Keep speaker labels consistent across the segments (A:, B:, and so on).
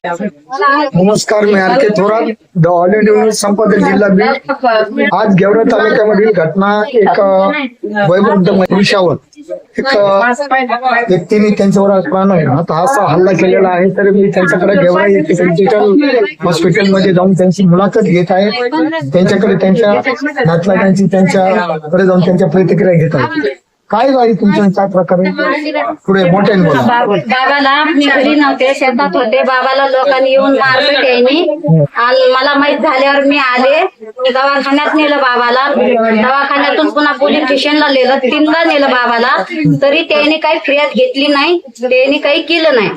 A: नमस्कार, मी R K Thorat, the all India news संपादक जिल्हा बीड. आज गेवरा तालुक्यामधील घटना एक वयोवृद्ध पुरुषावर एक व्यक्तीने त्यांच्यावर आता असा हल्ला केलेला आहे. तर मी त्यांच्याकडे गेवरा येथे डिजिटल हॉस्पिटलमध्ये जाऊन त्यांची मुलाखत घेत आहे. त्यांच्याकडे त्यांच्या नातलगांची त्यांच्याकडे जाऊन त्यांच्या प्रतिक्रिया घेत आहे. काय गाडी तुमच्या प्रकारे पुढे मोठ्याने बोला.
B: बाबाला मी घरी नव्हते, शेतात होते. बाबाला लोकांनी येऊन मारलं त्यांनी, आणि मला माहित झाल्यावर मी आले. दवाखान्यात नेलं बाबाला. दवाखान्यातून पुन्हा पोलीस स्टेशनला नेलं. 3दा नेलं बाबाला, तरी त्यांनी काही फिर्याद घेतली नाही. त्यांनी काही केलं नाही.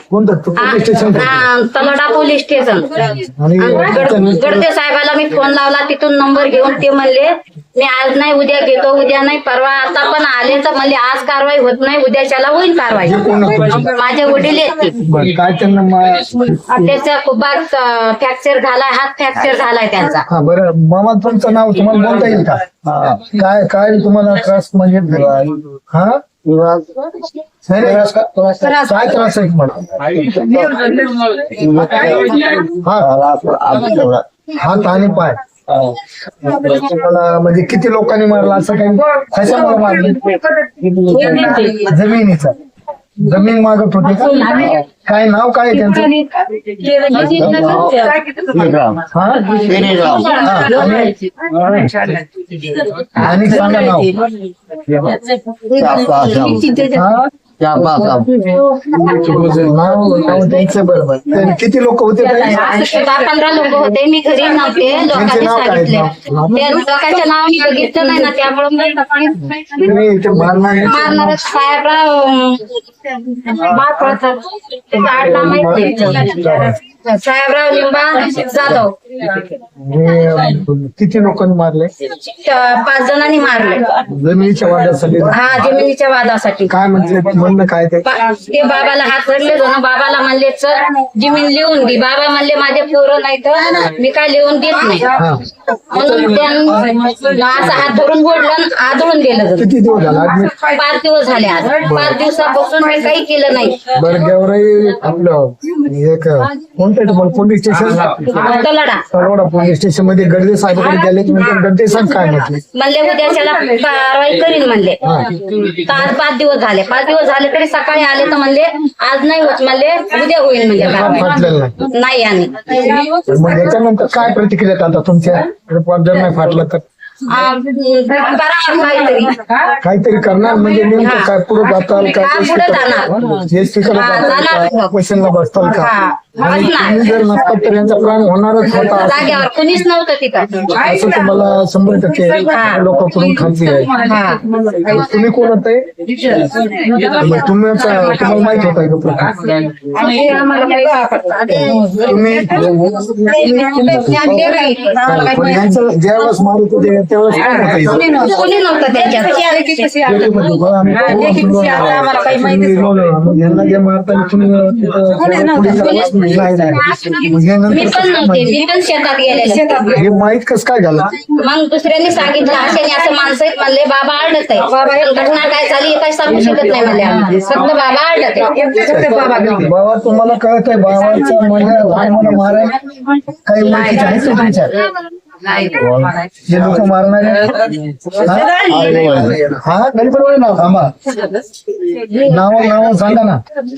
B: तलडा पोलीस स्टेशन. गडते साहेबाला मी फोन लावला, तिथून नंबर घेऊन ते म्हणले मी आज नाही उद्या घेतो, उद्या नाही परवा. आता पण आले तर म्हणले आज कारवाई होत नाही, उद्याच्याला होईल कारवाई. माझे वडील आहेत. त्याचा खुबात फ्रॅक्चर झालाय, हात फ्रॅक्चर झालाय त्यांचा.
A: बरं मामा, तुमचं नाव तुम्हाला बोलता येईल का? काय काय तुम्हाला त्रास म्हणजे काय त्रास आहे तुम्हाला? हात आणि पाय तुम्हाला म्हणजे किती लोकांनी मारला असं काही? कशामुळे मारलं? जमिनीचा जमीन मागत होते का? काय नाव काय त्यांचं? आणि सांगा नाव. बरोबर. किती लोक होते?
B: 10-15 लोक होते. मी घरी नव्हते. लोकांनी सांगितले. त्या लोकांच्या नाव मी बघितलं नाही ना, त्यामुळे मारणार साहेबराव साहेबराव लिंबा जाधव.
A: किती लोकांनी मारले?
B: 5 जणांनी मारले.
A: जमिनीच्या वादासाठी?
B: हा, जमिनीच्या वादासाठी.
A: काय म्हणलं काय ते
B: बाबाला हात धरले दोन. बाबाला म्हणले चल जमीन लिहून दे. बाबा म्हणले माझे पोरं नाही तर मी काय लिहून देत नाही, म्हणून त्यांनी असा हात धरून बोललं, आदळून दिलं.
A: किती दिवस झाला?
B: 5 दिवस झाले. आज 5 दिवसापासून मी काही केलं नाही.
A: बरं, गेवराई आपलं एक कोणतं तुम्हाला police station? Talwada police station मध्ये गडदे साहेबांकडे गेले. गडदे साहेब काय म्हटले?
B: म्हणले उद्याच्याला कारवाई करीन म्हणले. तर आज 5 दिवस झाले. 5 दिवस झाले तरी सकाळी आले तर म्हणले आज नाही होत, म्हणले उद्या होईल म्हणले. नाही. आणि
A: मग याच्यानंतर काय प्रतिक्रिया आता तुमच्या? जर नाही फाटलं तर काहीतरी करणार म्हणजे नेमकं काय? पुढे जाताल का? क्वेश्चनला बसताल का? जर नसतात तर यांचा प्लॅन होणारच होता.
B: जागेवर कुणीच नव्हतं तिथं
A: असं तुम्हाला 100% लोकांकडून खात्री आहे. तुम्ही कोण होते? तुम्हाला माहित होता का प्रकार? ज्यावेळेस मारत होते त्यावेळेस
B: कोणी नव्हतं त्याच्यात.
A: यांना जे मारताना
B: मी पण नव्हते. मी पण शेतात गेले.
A: हे माहित कसं काय झालं?
B: मग दुसऱ्यांनी सांगितलं असे असं माणसं आहेत म्हणले. बाबा आडत आहे. घटना काय झाली हे काही सांगू शकत नाही म्हणले. फक्त बाबा आडत आहे.
A: बाबा तुम्हाला कळत आहे बाबाचं मला माराय काही माहिती आहे का तुमच्या? जे लोक मारणारे हा गणपती नाव थांबा. नाव सांगा ना.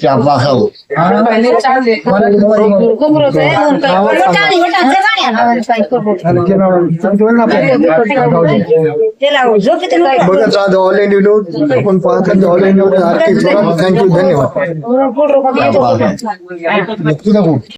A: बघत राहा ऑल इंडिया न्यूज. आपण पाहतात ऑल इंडिया. थँक्यू, धन्यवाद.